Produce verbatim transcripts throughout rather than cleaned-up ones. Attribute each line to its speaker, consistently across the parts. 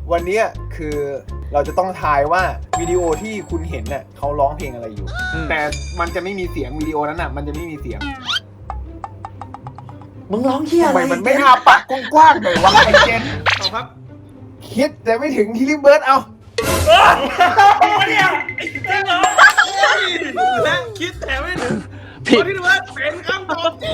Speaker 1: วันนี้คือเราจะต้องทายว่าวิดีโอที่คุณเห็นเนี่ยเขาร้องเพลงอะไรอยู่แต่มันจะไม่มีเสียงวิดีโอนั้นน่ะมันจะไม่มีเสียง
Speaker 2: มึงร้องเฮีย
Speaker 1: ทำ
Speaker 2: อะไร
Speaker 1: ไมมันไม่อาปากกว้างๆหน่อยวะไอ้เจน
Speaker 3: เอาครับ
Speaker 1: คิดแต่ไม่ถึงที่ริเบิร์ดเอา
Speaker 3: เนี่ยไอ้เจ้าเหรอและคิดแต่ไม่ถึงผิดที่ว่าเป็นคำตอบที่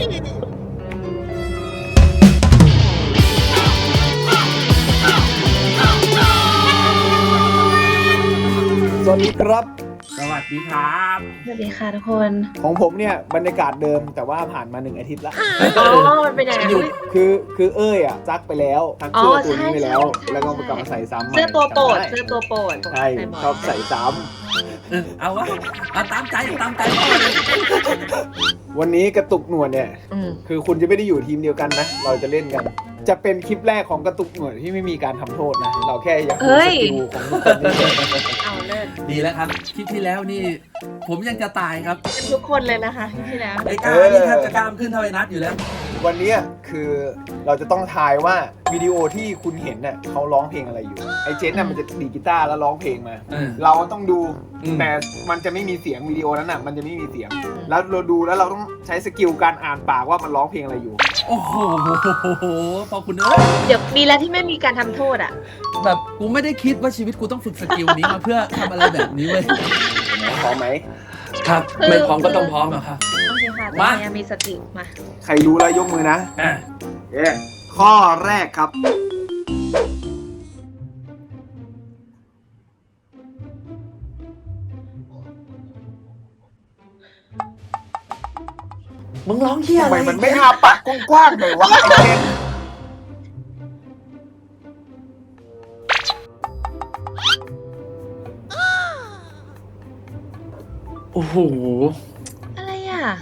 Speaker 1: สวัสดีครับ
Speaker 2: สวัสดีครับ
Speaker 4: สวัสดีค่ะทุกคน
Speaker 1: ของผมเนี่ยบรรยากาศเดิมแต่ว่าผ่านมาหนึ่งอาทิตย์ละ
Speaker 4: อ๋อ มันเป็นยังไง
Speaker 1: คือคือเอ้ยอ่ะซักไปแล้วซักเสื้อตัวนี้ไปแล้ว
Speaker 4: ใช่ใช่
Speaker 1: แล้วก็มากลับมาใส่ซ้ำใหม่
Speaker 4: เสื้อตัวโปรด
Speaker 1: จำได้
Speaker 4: เสื้อตัวโปรด
Speaker 1: ใช่ชอบใส่ซ้
Speaker 2: เอาวะเอาตามใจตามใจพ่อเลย
Speaker 1: ำวันนี้กระตุกหนวดเนี่ย
Speaker 4: อืม
Speaker 1: คือคุณจะไม่ได้อยู่ทีมเดียวกันนะ เราจะเล่นกัน จะเป็นคลิปแรกของกระตุกหนวดที่ไม่มีการทำโทษนะ เราแค่อยากดูสกิลของทุกคนนี่เฉย
Speaker 4: เอาเลิศ
Speaker 2: ดีแล้วครับคลิปที่แล้วนี่ ผมยังจะตายครับ
Speaker 4: เป็นทุกคนเลยนะคะที่แล้ว
Speaker 2: ไอ้กล้านี่แทบจะกล้ามขึ้นเท่าไอ้นัทอยู่แล้ว
Speaker 1: วันนี้คือเราจะต้องทายว่าวิดีโอที่คุณเห็นเนี่ยเขาร้องเพลงอะไรอยู่ ไอเจนน่ะมันจะดีดกีตาร์แล้วร้องเพลงมา
Speaker 2: เออ
Speaker 1: เราต้องดู
Speaker 2: อืม
Speaker 1: แต่มันจะไม่มีเสียงวิดีโอนั้นน่ะมันจะไม่มีเสียง แล้วเราดูแล้วเราต้องใช้สกิลการอ่านปากว่ามันร้องเพลงอะไรอยู่
Speaker 2: โอ้โหพอคุณเอ้ย
Speaker 4: เดี๋ยวดีแล้วที่ไม่มีการทำโทษอ่ะ
Speaker 2: แบบกูไม่ได้คิดว่าชีวิตกูต้องฝึกสกิลนี้มาเพื่อทำอะไรแบบนี้เว้ย
Speaker 1: พร้อมไหม
Speaker 2: ครับ ไม่พร้อมก็ต้องพร้อมอะครับ
Speaker 4: โอเคค่ะ
Speaker 2: มา
Speaker 4: แต่ยังมีสติมา
Speaker 1: ใครรู้แล้วยกมือนะ
Speaker 2: อ่ะ
Speaker 1: เอ๊ะข้อแรกครับ
Speaker 2: มึงร้องเฮีย
Speaker 1: ทำ
Speaker 2: อะไร
Speaker 1: ไมมันไม่อาปากกว้างๆหน่อยวะไอ้เจน
Speaker 2: โอ้โห
Speaker 4: อะไรอ่ะ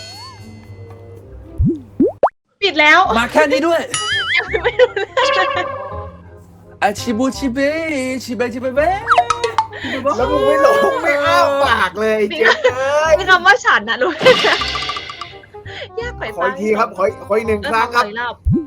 Speaker 4: ปิดแล้ว
Speaker 2: มาแค่นี้ด้วย
Speaker 4: ไม่รู้เลย
Speaker 2: อาชิบูชิเบชิเบชิเบเบ
Speaker 1: แล้วมึงไม่ลงไม่อ้าปากเลยไอ้เจนเอ้ย
Speaker 4: มีคำว่าฉันนะรู้ไหมยากไป
Speaker 1: ขออีกทีครับขอขออีกหนึ่ง
Speaker 4: เออ
Speaker 1: ครั้ง
Speaker 4: ข
Speaker 1: ค
Speaker 4: อ
Speaker 1: รับ
Speaker 4: อีกรอบ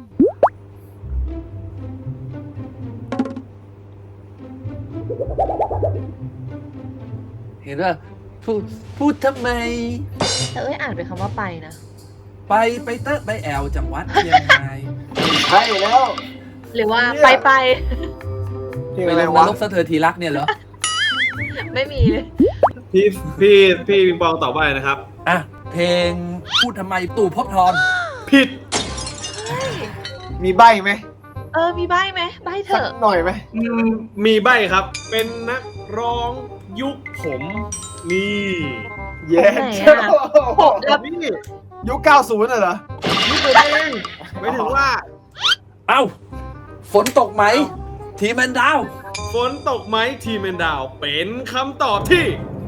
Speaker 2: เห็นว่าพูดพูดทำไม
Speaker 4: แต่เอ้ยอ่านเป็นคำว่าไปนะ
Speaker 2: ไปไปเตอะไปแอลจากวัดเชียงราย
Speaker 1: ใช่แล้ว
Speaker 4: หรือว่า
Speaker 1: เนี่ย
Speaker 4: ไปไป
Speaker 1: เพลง
Speaker 2: ไป
Speaker 1: อะไร
Speaker 2: ลงน
Speaker 1: วะ
Speaker 2: รกสะเทือนทีรักเนี่ยเหรอ
Speaker 4: ไม่มีเลย
Speaker 3: พี่พี่พี่ปิงปองตอบว่าอะไรนะครับ
Speaker 2: อ่ะ เพลงพูดทำไมตู่ภพบทร
Speaker 3: ผิด
Speaker 1: มีใบไหม
Speaker 4: เออ มีใบไหมใบเถ
Speaker 1: สัก
Speaker 4: อะ
Speaker 1: หน่อยไหม
Speaker 3: อืมมีใบครับ เป็นนักร้องยุคผมนี่
Speaker 1: เย้
Speaker 4: ไหน
Speaker 1: เจ้า
Speaker 4: อะ แล้ว
Speaker 3: นี่
Speaker 1: ยุคเก้าสิบน่ะเหรอ
Speaker 3: นี่ตัวเองไม่ถึงว่า
Speaker 2: เอ้า ฝนตกไหม ทีแมนดาว
Speaker 3: ฝนตกไหมทีมแมนดาวเป็นคำตอบที่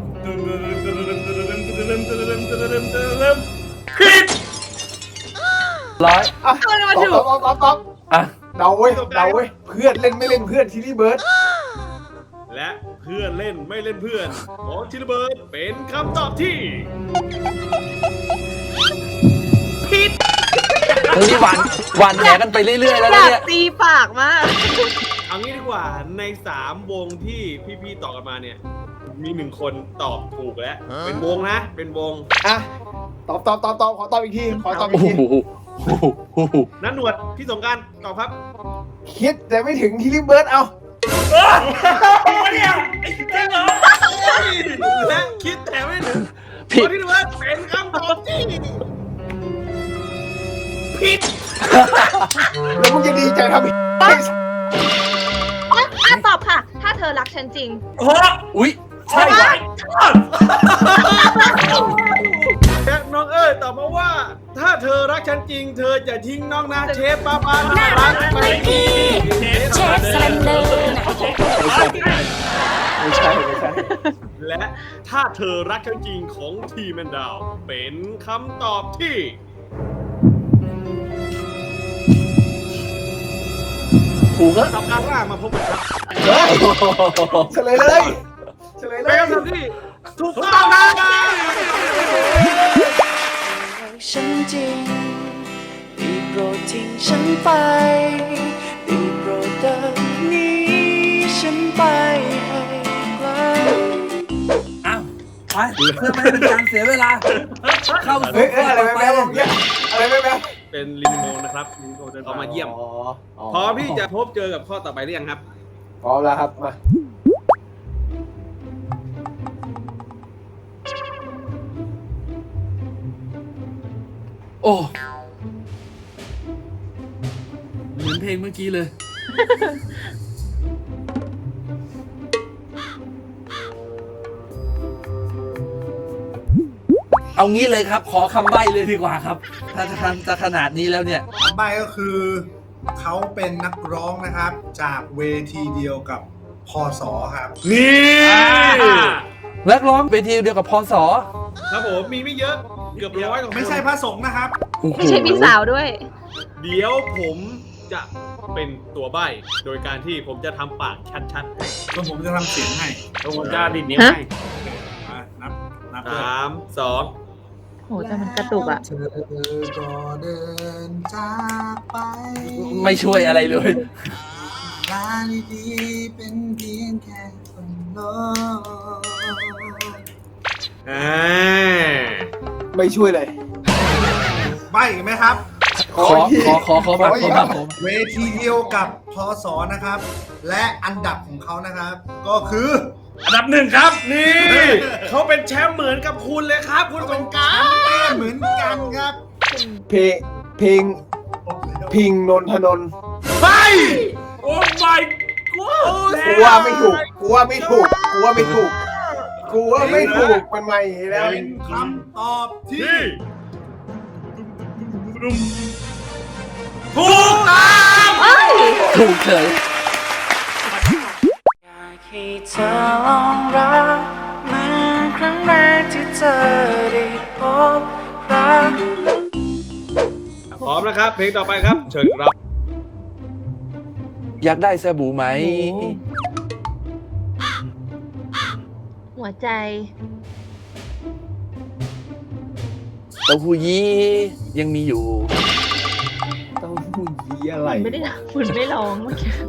Speaker 3: ผิด
Speaker 2: ร้อย
Speaker 1: อ่ะ
Speaker 4: เอาเลยมา
Speaker 1: ตอบ
Speaker 4: ถูก
Speaker 1: ตอบตอบตอบ
Speaker 2: อ่ะ
Speaker 1: เดาเว้ยเดาเว้ยเพื่อนเล่นไม่เล่นเพื่อนทีนี่เบิร์ด
Speaker 3: และเพื่อนเล่นไม่เล่นเพื่อนของชิลเบิร์ดเป็นคำตอบที่ผิด
Speaker 2: มึงนี่หวานหวานแหกันไปเรื่อยๆแล้ว
Speaker 4: อ
Speaker 2: นะ
Speaker 4: ยาก
Speaker 2: เนี่ย
Speaker 4: ตีปากมาก
Speaker 3: เอางี้ดีกว่าในสามวงที่พี่ๆตอบกันมาเนี่ย มีหนึ่งคนตอบถูกแล้ว เป็นวงนะ เป็นวง
Speaker 1: อ่ะตอบตอบตอบตอบขอตอบอีกทีขอตอบอี
Speaker 2: โอ้
Speaker 1: กที
Speaker 2: โหโอ้โหโอ้โห
Speaker 3: นันหนวดพี่สงกรารตอบครับ
Speaker 1: คิดแต่ไม่ถึงที่ริเบิร์ดเอา
Speaker 3: เนี่ยไอ้เจ้าเหรอและคิดแต่ไม่ถึง
Speaker 2: ผิด
Speaker 3: ที่ว่าเป็นคำตอบที่ผิด
Speaker 1: แล้วมึงจะดีใจทำไม
Speaker 4: อ่ะอ่ะตอบค่ะ ถ้าเธอรักฉันจริง
Speaker 2: อุ๊ย ใช่ว่ะ
Speaker 3: และน้องเอ้ยตอบมาว่า ถ้าเธอรักฉันจริง เธออย่าทิ้งน้องนะเชฟป้าป้าน่ารักไปดีเชฟสแลนเดอร์
Speaker 1: ไม่ใช่ไม่ใช่
Speaker 3: และถ้าเธอรักฉันจริงของทีแมนดาวเป็นคำตอบที่
Speaker 2: ถูกแล้ว
Speaker 3: สัปดาห์หน้ามาพบกันครับ
Speaker 1: เฮ้ยเฉลยเลยเฉลยเล
Speaker 3: เป็น
Speaker 1: ย
Speaker 3: คำตอบที่ถูกต้องนะ
Speaker 5: ฉันจริงได้โปรดทิ้งฉันไปได้โปรดเดินหนี้ไม่ให้ไกล
Speaker 2: อ้าวไปเพื่อไม่ให้เป็นการเสียเวลา เข้า
Speaker 1: เฮ้
Speaker 2: สู่
Speaker 1: ยเอ้ยอะไร
Speaker 2: ต่อ
Speaker 1: แม่
Speaker 2: ไป
Speaker 1: แม่เนี่ยอะไรแม่แม่
Speaker 3: เป็นลินโมนะครับลินโมเดินทางมาเยี่ยม
Speaker 1: อ๋อ
Speaker 3: พร้อมที่จะพบเจอกับข้อต่อไปหรือยังครับ
Speaker 1: พร้อมแล้วครับมา
Speaker 2: โอ้เหมือนเพลงเมื่อกี้เลย เอางี้เลยครับ ขอคำใบ้เลยดีกว่าครับ ถ้าจะทำจะขนาดนี้แล้วเนี่ย
Speaker 6: ใบก็คือเขาเป็นนักร้องนะครับ จากเวทีเดียวกับพศครับ
Speaker 3: นี่
Speaker 2: นักร้องเวทีเดียวกับพศ
Speaker 3: ครับผมมีไม่เยอะเกือบร้อยกว่าคน
Speaker 6: ไม่ใช่พระสงฆ์นะครับ
Speaker 4: ไม่ใช่พี่สาวด้วย
Speaker 3: เดี๋ยวผมจะเป็นตัวใบ้โดยการที่ผมจะทำปากชัดๆให้
Speaker 6: ก็ผมจะทำเสียงให้
Speaker 3: แล้วผมจะดิดนิ้ว
Speaker 4: ฮะ
Speaker 3: ให้
Speaker 6: มานับ นับ
Speaker 3: สามสอง
Speaker 4: โหแต่มันกระตุกอ่ะ
Speaker 6: เธอก็เดินจากไป
Speaker 2: ไม่ช่วยอะไรเลย
Speaker 6: ลาดีๆเป็นเพียงแค่คนโลก
Speaker 3: อ่า
Speaker 1: ไม่ช่วยเลย
Speaker 6: ใบอีกไหมครับ
Speaker 2: ขอขอขอขอแบบขอแบบผม
Speaker 6: เวทีเดียวกับพศนะครับ และอันดับของเขานะครับ ก็คือ
Speaker 3: อันดับหนึ่งครับนี่เขาเป็นแชมป์เหมือนกับคุณเลยครับ คุณสงกราร
Speaker 6: เหมือนกันครับ
Speaker 1: เพลงเพลงพิงนนทนนท์
Speaker 3: ไปโอ้ my
Speaker 1: กูว่าไม่ถูกกูว่าไม่ถูกกูว่าไม่ถูกกูว่าไม่ถูกมันใหม่แล้ว
Speaker 6: เป็นคำตอบที่
Speaker 3: ที่ถูกต้อง
Speaker 2: ถูกเฉย
Speaker 5: อยากให้เธอลองรักเหมือนครั้งแรกที่เธอได้พบรัก
Speaker 3: พร้อมนะครับเพลงต่อไปครับ เชิญครับ
Speaker 2: อยากได้สบู่ไหม
Speaker 4: หัวใจ
Speaker 2: เต้าหู้ยี้ยังมีอยู่
Speaker 1: ต้องพูดยีอะไร
Speaker 4: คุณไม่ได้คุณไม่ร้องเมื่อกี้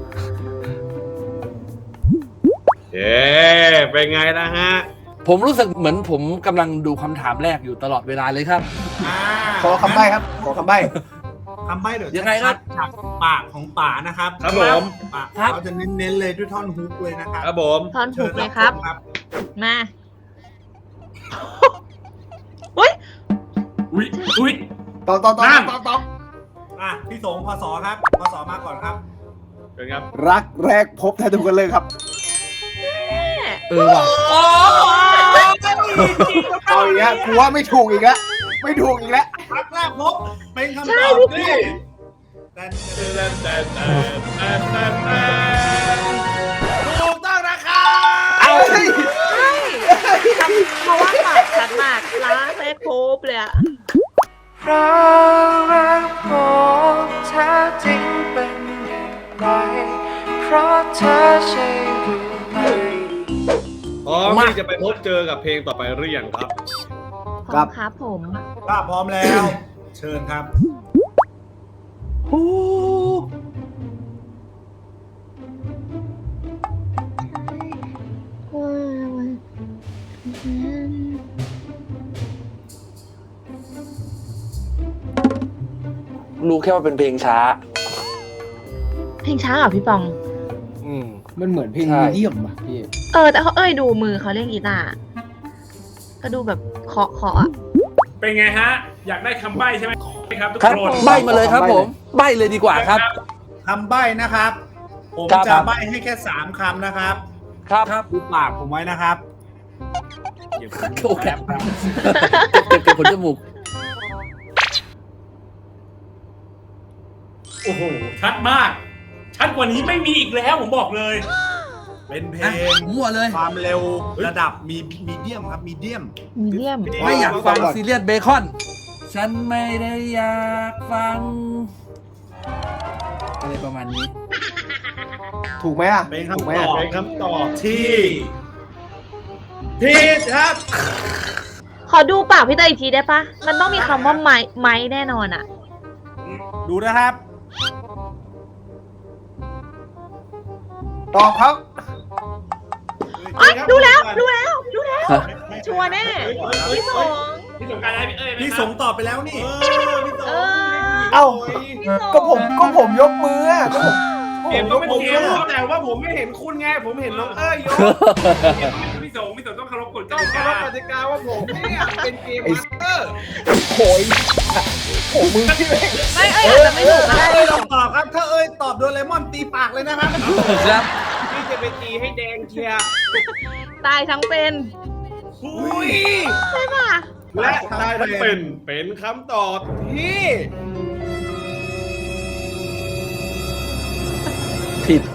Speaker 3: เย้เป็นไงนะฮะ
Speaker 2: ผมรู้สึกเหมือนผมกำลังดูคำถามแรกอยู่ตลอดเวลาเลยครับ
Speaker 6: อ่า
Speaker 1: ขอคำใบ้ครับ ขอคำใบ้
Speaker 6: คำใบ้เดี๋ยว
Speaker 2: ยังไงครับ
Speaker 6: จากปากของป่านะครับ
Speaker 3: ครับผม
Speaker 6: ปาก
Speaker 2: ครับ
Speaker 6: เขาจะเน้นๆเลยด้วยท่อนฮุกเลยนะครับ
Speaker 3: ครับผม
Speaker 4: ทอนถูกเลยครับ
Speaker 6: ชิญรับ
Speaker 4: มา อุ้ย
Speaker 3: อุ้ยอุ้ย
Speaker 1: ตอบตอบตอบ
Speaker 3: นั่น
Speaker 1: ตอบตอบ
Speaker 6: อ่ะพี่สงพศครับพศมาก่อนครับ
Speaker 3: เชิญครับ
Speaker 1: รักแรกพบแทนทุกคนเลยครับ
Speaker 2: เออว่ะ
Speaker 1: เอาอีกแล้วกูว่าไม่ถูกอีกแล้วไม่ถูกอีกแล้ว
Speaker 6: รักแรกพบเป็นคำ
Speaker 4: ใช่
Speaker 6: ตอบ
Speaker 4: พี่
Speaker 6: ที่
Speaker 4: แจ๊ค
Speaker 6: แต่
Speaker 3: แต่แต่แต่แต่แต่ถูกต้องนะครับ
Speaker 1: เอาเฮ้ย
Speaker 4: ใช่เพราะว่าปากชัดมากล้างแรกโคบเลยอะ
Speaker 5: เพราะรักผมแท้จริงเป็นอย่างไรเพราะเธอใช่หรือไม่
Speaker 3: พร้อมที่จะไปพบเจอกับเพลงต่อไปหรือยังครับ
Speaker 4: พร้อมครับผม
Speaker 6: ถ้าพร้อมแล้ว เชิญครับ
Speaker 2: รู้แค่ว่าเป็นเพลงช้า
Speaker 4: เพลงช้าเหรอพี่ปอง
Speaker 2: อืม
Speaker 1: มันเหมือนเพลง
Speaker 2: ใช่
Speaker 1: มีเดียมอ่ะพี่
Speaker 4: เออ แต่เขาเอ้ยดูมือเขาเล่นกีตาร์ก็ดูแบบเคาะเคาะอะ
Speaker 7: เป็นไงฮะ อยากได้คำใบ้ใช่ไหมครับทุก
Speaker 2: ครับ
Speaker 7: คน
Speaker 2: ใบมาเลยครับผม ใบเลยดีกว่าครับ
Speaker 6: คำใบ้นะครับ ผม
Speaker 2: ครับ
Speaker 6: จะใบ้ให้แค่สามคำนะครับ
Speaker 2: ครับ
Speaker 6: ดูปากผมไว้นะครับ
Speaker 2: โอเคเก็บเก็บขนจมูก
Speaker 7: โอ้โห ชัดมาก ชัดกว่านี้ไม่มีอีกแล้วผมบอกเลย
Speaker 6: เป็นเพลง
Speaker 2: มั่วเลย
Speaker 6: ความเร็วระดับมีมีเดียมครับมีเดียม
Speaker 4: มีเดียม
Speaker 2: ไม่อยากฟังซีเรียสเบคอน ฉันไม่ได้อยากฟัง อะไรประมาณนี้
Speaker 1: ถูกไหมอ่ะ
Speaker 6: เป็น
Speaker 1: ถูกไหม
Speaker 6: คำต
Speaker 1: อ่ะ
Speaker 6: อบ
Speaker 3: เป็นคำตอบ
Speaker 6: ที่
Speaker 3: ผิดครับ
Speaker 4: ขอดูปากพี่เตยอีกทีได้ปะ มันต้องมีคำว่าไม้ไม้แน่นอนอะ
Speaker 6: ดูนะครับ
Speaker 1: ตอบครับ
Speaker 4: อ๋อรู้แล้วรู้แล้วรู้แล้ว
Speaker 2: ฮะ
Speaker 4: ชัวร์แน่พี่สง
Speaker 7: พี่สงการได้พี่เอ้ยไหม
Speaker 6: พี่
Speaker 7: ค
Speaker 6: ส
Speaker 7: รับ
Speaker 6: งตอบไปแล้วนี่
Speaker 3: เออพี่ส
Speaker 4: เอ
Speaker 3: อง
Speaker 4: อ
Speaker 1: เอ้า
Speaker 4: พี่สง
Speaker 1: ก็ผมก็ผมยกมืออะก็ผม
Speaker 3: เห็น
Speaker 1: ก็
Speaker 3: ก็
Speaker 1: ผม
Speaker 3: ไม่
Speaker 1: ยก
Speaker 3: เกี่
Speaker 1: มื
Speaker 3: ยว
Speaker 1: อ
Speaker 3: แต่ว่าผมไม่เห็นคุณไงผมเห็นน้องเอ้ยยก
Speaker 7: พี่สงพี่สงต้องเคารพกฎก
Speaker 3: ต้อง
Speaker 7: ติ
Speaker 3: เคาร
Speaker 7: กา
Speaker 3: พกติกาว่าผมเนี่ยเป็นเกมมาสเตอร์
Speaker 1: โหยโหมือพี่แม่ง
Speaker 4: ไม่เอ้ยอาจจะไม่ถูกก็ได้
Speaker 6: เอ้ย
Speaker 4: พี่
Speaker 6: ล
Speaker 4: ส
Speaker 6: อง
Speaker 4: ง
Speaker 6: ตอบครับ ถ้าเอ้ยตอบโดนเลมอนตีปากเลยนะครับ
Speaker 2: ครับ
Speaker 3: พี่จะไปตีให้แดงเชียร์
Speaker 4: ตายทั้งเป็น
Speaker 3: อุ้ย
Speaker 4: ใช่ป่ะ
Speaker 3: และตายทั้งเป็นเป็นคำตอบที่
Speaker 2: ผิด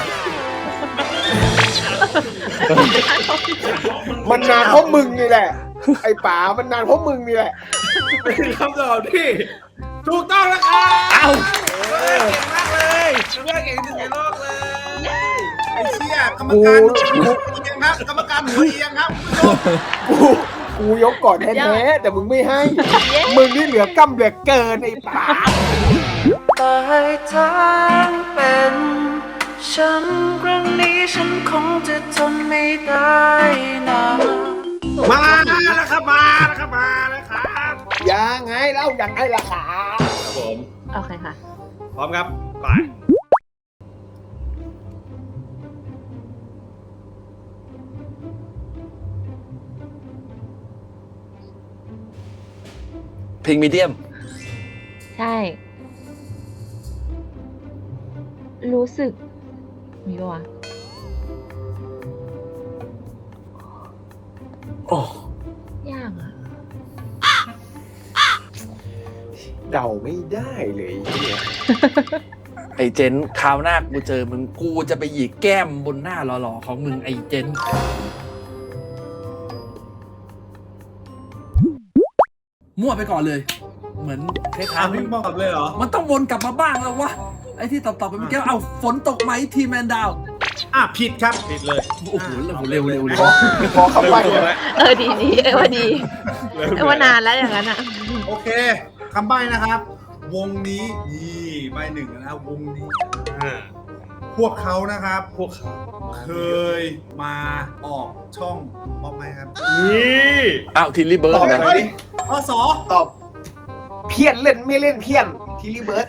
Speaker 1: มันนานเพราะมึงนี่แหละ ไอ้ป๋ามันนานเพราะมึงนี่แหละ
Speaker 3: เป็นคำตอบที่ถูกต้องแล้วครับ
Speaker 2: เอ้า
Speaker 3: เฮ้ยเก่งมากเลยเพื่อนเก่งที่สุดในโลกเลย
Speaker 6: ไอ้เชี่ยกรรมการหัวเอียงครับ กรรมการหัวเอียงครับ
Speaker 1: กูกูยกก่อนแท้ๆแต่มึงไม่ให้ มึงนี่เหลือกำเหลือเกินไอ้ป๋า
Speaker 5: ตายทั้งเป็นฉันครั้งนี้ฉันคงจะทนไม่ได้นะ
Speaker 3: มาแล้วครับมาแล้วครับมาแล้วครับ
Speaker 1: ยังไงเล่ายังไงล่ะขา
Speaker 3: ครับผม
Speaker 4: โอเคค่ะ
Speaker 3: พร้อมครับไป
Speaker 2: เพลงมีเดียม
Speaker 4: ใช่ รู้สึก มีปะวะ
Speaker 2: โอ้
Speaker 4: ยากอ่ะ
Speaker 1: เดาไม่ได้เลยเนี่ย
Speaker 2: ไอเจนคราวหน้ากูเจอมึงกูจะไปหยิกแก้มบนหน้าหล่อๆของมึงไอเจน มั่วไปก่อนเลย เหมือนคล้า
Speaker 6: ถาย ม
Speaker 2: ๆ
Speaker 6: พี่บอกเลยเหรอ
Speaker 2: มันต้องวนกลับมาบ้างแล้ววะ ไอ้ที่ตอบๆไปเมื่อกี้เอาฝนตกไหมทีแมนดาว
Speaker 6: อ่ะผิดครับ
Speaker 3: ผิดเลย
Speaker 2: โอ้โหเร็วเร็วเร็วเร็
Speaker 1: ขอ
Speaker 2: ว
Speaker 1: ขอคำใบ้
Speaker 3: เริ่มแล้ว
Speaker 4: เออดีดีเออว่าดีเออว่านานแล้วอย่างนั้นอ่ะ
Speaker 6: โอเคคำใบ้นะครับ วงนี้นี่ใบหนึ่งนะครับวงนี้
Speaker 3: อ่า
Speaker 6: พวกเขานะครับ
Speaker 3: พวกเขา
Speaker 6: เคยมาออกช่องมอบไหมครับ
Speaker 3: นี่
Speaker 2: อ้าวทิลลี่เบิร์
Speaker 1: ต
Speaker 2: ด
Speaker 1: อบ
Speaker 2: นะ
Speaker 1: หน่อยดิ
Speaker 6: ข้อสอ
Speaker 1: ตอบ เพี้ยนเล่นไม่เล่นเพี้ยนทีรีเบิร์ด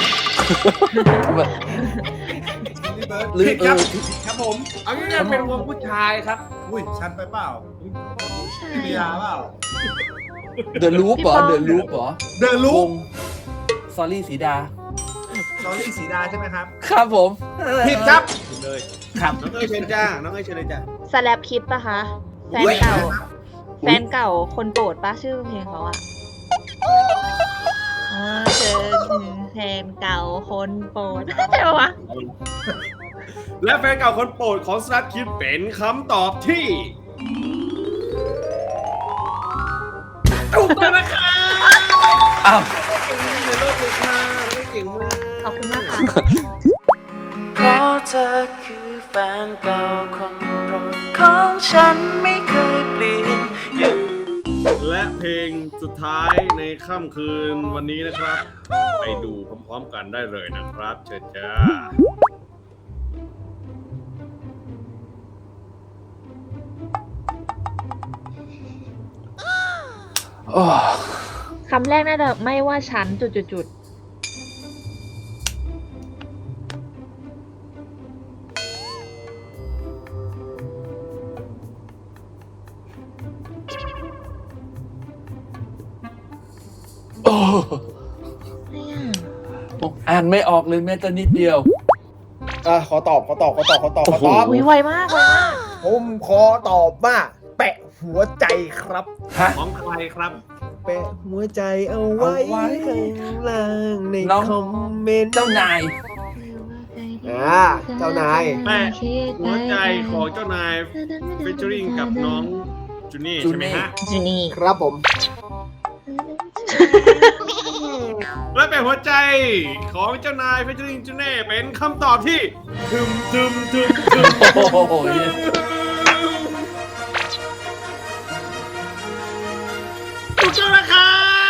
Speaker 2: หรือ
Speaker 6: ผิด
Speaker 2: เอ
Speaker 6: ครับ
Speaker 2: อ
Speaker 3: ครับผมเอางี้เนี่ยเป็นวงผู้ชายครับ
Speaker 6: อุ้ยชันไปเปล่าพี่ปิยาเปล่า
Speaker 2: เดอะลูปเหรอเดอะลูปเหรอ
Speaker 6: เดอะลู
Speaker 2: ว
Speaker 6: ก
Speaker 2: งซอรี่สีดา
Speaker 6: สอรี่สีดาใช่ไหมครับ
Speaker 2: ครับผม
Speaker 6: ผิดครับ
Speaker 3: ผิดเลย
Speaker 2: ครับ
Speaker 3: น้องเอ้ยเชิญจ้าน้องเอ้ยเชิญเลยจ้า
Speaker 4: สแลปคิดปะคะ แฟนเก่า แฟนเก่าคนโปรดปะชื่อเพลงเขาอะอ่าเจอแฟนเก่าคนโปรดใช่ปะวะ
Speaker 3: และแฟนเก่าคนโปรดของสลัดคิดเป็นคำตอบที่ถูกต้องนะคะ
Speaker 2: อ้าว
Speaker 3: ในโลกเลยค่ะไม่เก่งมาก
Speaker 4: ขอบคุณมากค่ะ
Speaker 5: เพราะเธอคือแฟนเก่าคนโปรดของฉันไม่เคยเปลี่ยนอย่าง
Speaker 3: และเพลงสุดท้ายในค่ำคืนวันนี้นะครับ ไปดูพร้อมๆกันได้เลยนะครับ เชิญจ้า
Speaker 2: โอ้
Speaker 4: คำแรกน่าจะไม่ว่าฉันจุดจุดจุด
Speaker 2: โอ้
Speaker 4: ไม่อะ
Speaker 2: อ่านไม่ออกเลยแม้แต่นิดเดียว
Speaker 1: อ่ะขอตอบขอตอบขอตอบขอตอบขอตอบ
Speaker 4: อุ้ยไวมากไวมาก
Speaker 1: ผมขอตอบว่าแปะหัวใจครับ
Speaker 2: ฮะ
Speaker 3: ของใครครับ
Speaker 1: แปะหัวใจเอาไว้
Speaker 2: เอาไว้
Speaker 1: ข้างล่างใน
Speaker 2: น้อง
Speaker 1: คอมเมนต์
Speaker 2: เจ้านาย
Speaker 1: อ่าเจ้านาย
Speaker 3: แปะหัวใจของเจ้านายฟิชเจอริงกับน้องจูนี่ใช่ไหมฮะ
Speaker 4: จูนี่
Speaker 1: ครับผม
Speaker 3: และแปะหัวใจของเจ้านายฟิชเจอริงจูนี่เป็นคำตอบที่ทึมทึมทึมทึม
Speaker 2: โอ้โห
Speaker 3: ถูกต้องนะคะ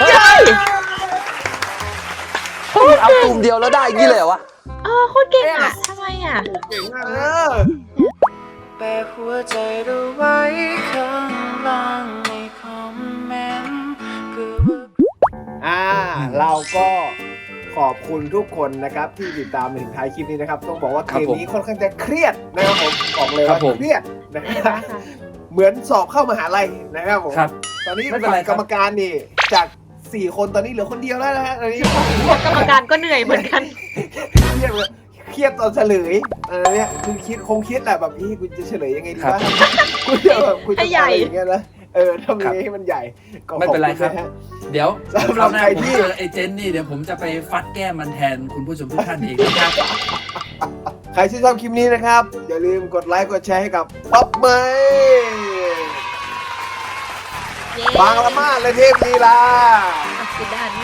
Speaker 2: เอาตุ่มเดียวแล้วได้ยี่เลยเหรอวะ
Speaker 4: อ๋อโคตรเก่งอ่ะทำไมอ่ะ
Speaker 3: เก่งมาก
Speaker 1: เอ
Speaker 3: นะ
Speaker 1: อ
Speaker 5: แปหัวใจเราไว้ข้างล่างในคอมเมนต์เพื่อว่า
Speaker 1: อ่าเราก็ขอบคุณทุกคนนะครับที่ติดตามมาถึงท้ายคลิปนี้นะครับต้องบอกว่าเกมนี้ค่อนข้างจะเครียดนะครับผมบอกเลยว่าเครียดนะครับเหมือนสอบเข้ามหาลัยนะครับผม
Speaker 2: ครับ
Speaker 1: ตอนนี้
Speaker 2: ไม่เป็นไรครับ
Speaker 1: กรรมการนี่จากสี่คนตอนนี้เหลือคนเดียวแล้วนะฮะตอนนี้
Speaker 4: กรรมการก็เหนื่อยเหมือนกัน
Speaker 1: เครียดเลยเครียดตอนเฉลยอะไรเนี่ยคือคิดคงคิดแหละแบบพี่กูจะเฉลยยังไงดีวะกูจะแบบกูจะ
Speaker 4: ให้ใหญ่
Speaker 1: อะไรอย่างเงี้ยนะเออทำยังไงให้มันใหญ่ก็
Speaker 2: ไม่เป็นไรครับ
Speaker 1: ขอณนะฮะ
Speaker 2: เดี๋ยว
Speaker 1: สำหรับ
Speaker 2: คราวหน้า
Speaker 1: ใคร
Speaker 2: ผม
Speaker 1: ที่
Speaker 2: เจอไอ้เจนนี่เดี๋ยวผมจะไปฟัดแก้มมันแทนคุณผู้ชมทุกท่านเองนะครับ
Speaker 1: ใครที่ชอบคลิปนี้นะครับ อย่าลืมกดไลค์กดแชร์ให้กับป๊อปเมย์บางละมาดและเทพลีลา
Speaker 4: อักษิดานเย่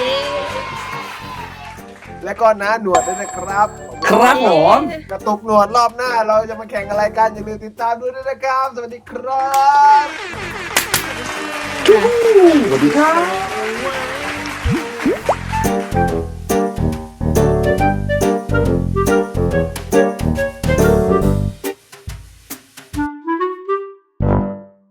Speaker 1: และก็น้าหนวดด้วยนะครับ
Speaker 2: ครับผม
Speaker 1: กระตุกหนวดรอบหน้าเราจะมาแข่งอะไรกันอย่าลืมติดตามด้วยนะครับ สวัสดีครับ
Speaker 2: สวัสดีครับ
Speaker 1: บ